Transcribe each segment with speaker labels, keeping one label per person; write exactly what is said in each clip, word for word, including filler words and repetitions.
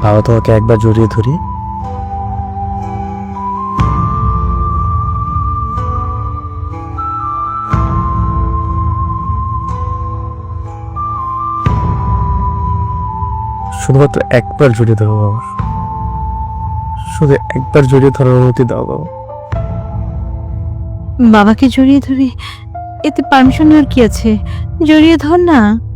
Speaker 1: বাবা তোমাকে একবার জড়িয়ে ধরি। শুধুমাত্র একবার জড়িয়ে ধরো বাবা, শুধু একবার জড়িয়ে ধরার অনুমতি দাও বাবা।
Speaker 2: বাবাকে জড়িয়ে ধরে এতে পারমিশন নেওয়ার কি আছে? জড়িয়ে ধর না।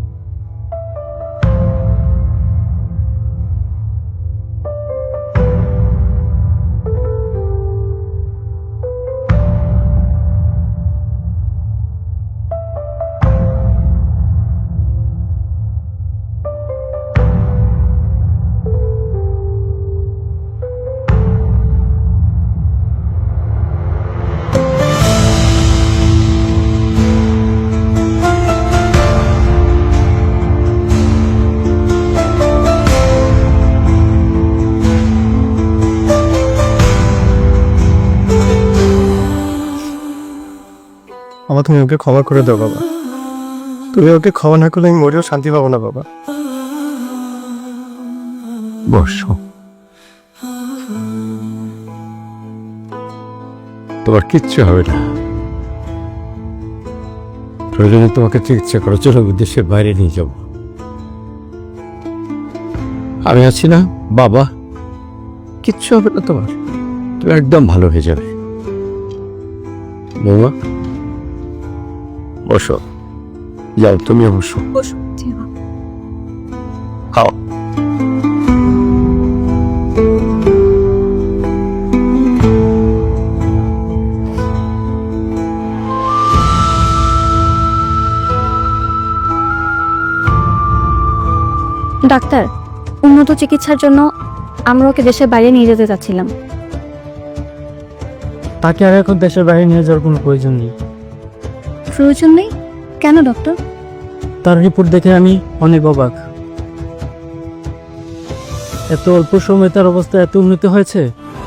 Speaker 1: বাবা তুমি ওকে ক্ষমা করে দাও বাবা, তুমি ওকে ক্ষমা না করলে আমি মরেও শান্তি পাবো না বাবা।
Speaker 3: বসো, তোমার কিচ্ছু হবে না। প্রয়োজনে তোমাকে চিকিৎসা করার জন্য দেশের বাইরে নিয়ে যাব। আমি আছি না বাবা, কিচ্ছু হবে না তোমার, তুমি একদম ভালো হয়ে যাবে। বৌমা বসো, যাও তুমিও বসো। খাও।
Speaker 4: ডাক্তার, উন্নত চিকিৎসার জন্য আমরা ওকে দেশের বাইরে নিয়ে যেতে চাচ্ছিলাম।
Speaker 1: তাকে আর এখন দেশের বাইরে নিয়ে যাওয়ার কোনো প্রয়োজন নেই।
Speaker 4: প্রয়োজন নেই কেন ডক্টর?
Speaker 1: তার রিপোর্ট দেখে আমি অনেক অবাক। এত অল্প সময়ে তার অবস্থা এত উন্নতি হয়েছে,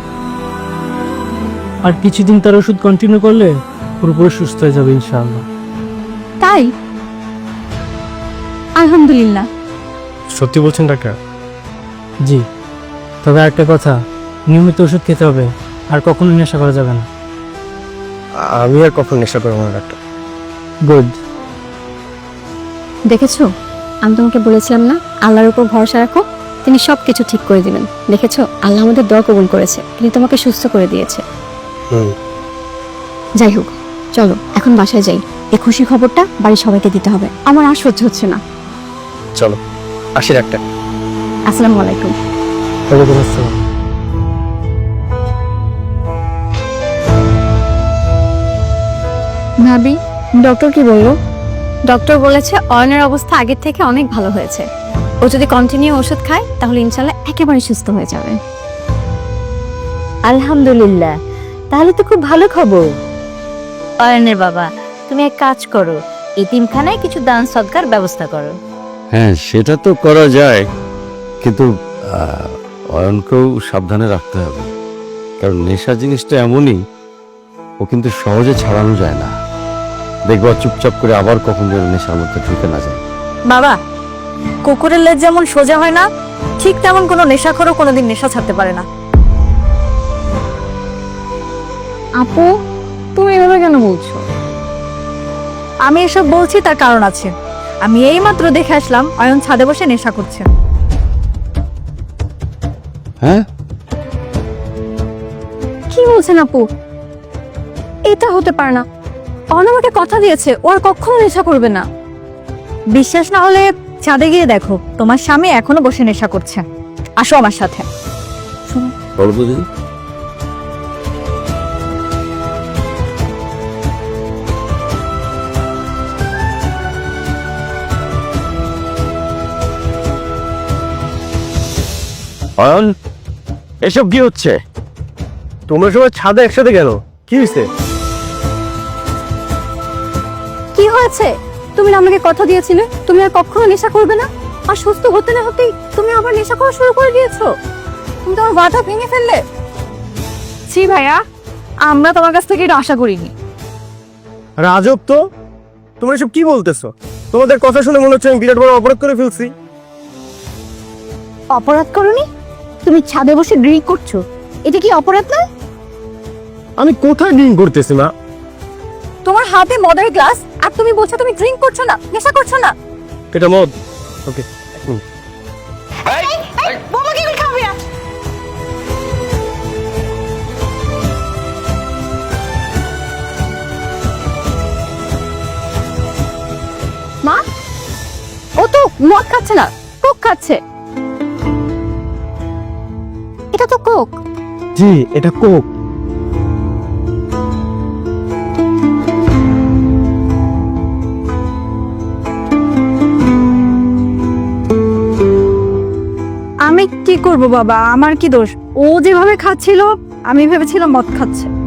Speaker 1: আর কিছুদিন তার ওষুধ কন্টিনিউ করলে পুরোপুরি সুস্থ হয়ে যাবে ইনশাআল্লাহ।
Speaker 4: তাই? আলহামদুলিল্লাহ।
Speaker 1: সত্যি বলছেন ডাক্তার? জি, তবে একটা কথা, নিয়মিত ওষুধ খেতে হবে, আর কখনো নেশা করা যাবে না। আমি আর কখনো নেশা করবো না ডাক্তার। গুড।
Speaker 4: দেখেছো, আমি তোমাকে বলেছিলাম না আল্লাহর উপর ভরসা রাখো, তিনি সব কিছু ঠিক করে দিবেন। দেখেছো, আল্লাহ আমাদের দোয়া কবুল করেছে, তিনি তোমাকে সুস্থ করে দিয়েছে।
Speaker 1: হুম।
Speaker 4: যাই হোক, চলো এখন বাসায় যাই। এই খুশি খবরটা বাড়ির সবাইকে দিতে হবে, আমার আর সহ্য হচ্ছে না।
Speaker 1: চলো আসি ডাক্তার।
Speaker 4: আসসালামু আলাইকুম।
Speaker 1: ওয়ালাইকুম আসসালাম।
Speaker 4: ভাবি, ডক্টর কি বললো? ডক্টর বলেছে অয়নের অবস্থা আগের থেকে অনেক ভালো হয়েছে। ও যদি কন্টিনিউ ওষুধ খায় তাহলে ইনশাল্লাহ একেবারে সুস্থ হয়ে যাবে।
Speaker 2: আলহামদুলিল্লাহ, তাহলে তো খুব ভালো খবর। অয়নের বাবা, তুমি এক কাজ করো, এতিমখানায় কিছু দান সদকার ব্যবস্থা করো।
Speaker 3: হ্যাঁ সেটা তো করা যায়, কিন্তু আহ, অয়নকেও সাবধানে রাখতে হবে, কারণ নেশা জিনিসটা এমনই, ও কিন্তু সহজে ছাড়ানো যায় না। দেখবা চুপচাপ করে আবার কখন যেন নেশার মধ্যে ঢুকে না যায়।
Speaker 2: বাবা, কুকুরের লেজ যেমন সোজা হয় না, ঠিক তেমন কোনো নেশাখোরও কোনোদিন নেশা ছাড়তে পারে না।
Speaker 4: আপু, তুমি এভাবে কেন বলছো?
Speaker 2: আমি এসব বলছি তার কারণ আছে। আমি এই মাত্র দেখে আসলাম অয়ন ছাদে বসে নেশা করছে।
Speaker 3: হ্যাঁ
Speaker 4: কি বলছেন আপু? এটা হতে পারে না। অয়ন আমাকে কথা দিয়েছে ও আর কখনো নেশা করবে না।
Speaker 2: বিশ্বাস না হলে ছাদে গিয়ে দেখো, তোমার স্বামী এখনো বসে নেশা করছে। আসো আমার সাথে।
Speaker 3: বলো তো দিদি। অয়ন, এসব কি হচ্ছে?
Speaker 1: তোমরা সবাই ছাদে একসাথে গেল, কি হয়েছে?
Speaker 4: কি হয়েছে? তুমি না আমাকে কথা দিয়েছিলে তুমি আর কখনো নেশা করবে না, আর সুস্থ হতে না হতেই তুমি আবার নেশা করা শুরু করে দিয়েছো। তুমি তোমার ওয়াদা ভেঙে ফেললে।
Speaker 2: ছি ভাইয়া, আমরা তোমার কাছ থেকে এটা আশা করিনি।
Speaker 1: রাজব তো, তোমরা এসব কি বলতেছো? তোমাদের কথা শুনে মনে হচ্ছে আমি বিরাট বড় অপরাধ করে ফেলছি।
Speaker 2: অপরাধ করনি?
Speaker 4: তুমি ছাদে বসে ড্রিঙ্ক করছো, এটা কি অপরাধ না?
Speaker 1: আমি কোথায় ড্রিঙ্ক করতেছি মা?
Speaker 4: তোমার হাতে মদের গ্লাস আর তুমি বলছো তুমি ড্রিঙ্ক করছো না, নেশা করছো না।
Speaker 1: এটা মদ। ওকে।
Speaker 4: বোমা কি করে খাবে? মা, ও তো মদ খাচ্ছে না, কোক খাচ্ছে। এটা তো কোক।
Speaker 1: জি, এটা কোক।
Speaker 4: আমি কি করব বাবা, আমার কি দোষ? ও যেভাবে খাচ্ছিল আমি ভেবেছিলাম মদ খাচ্ছে।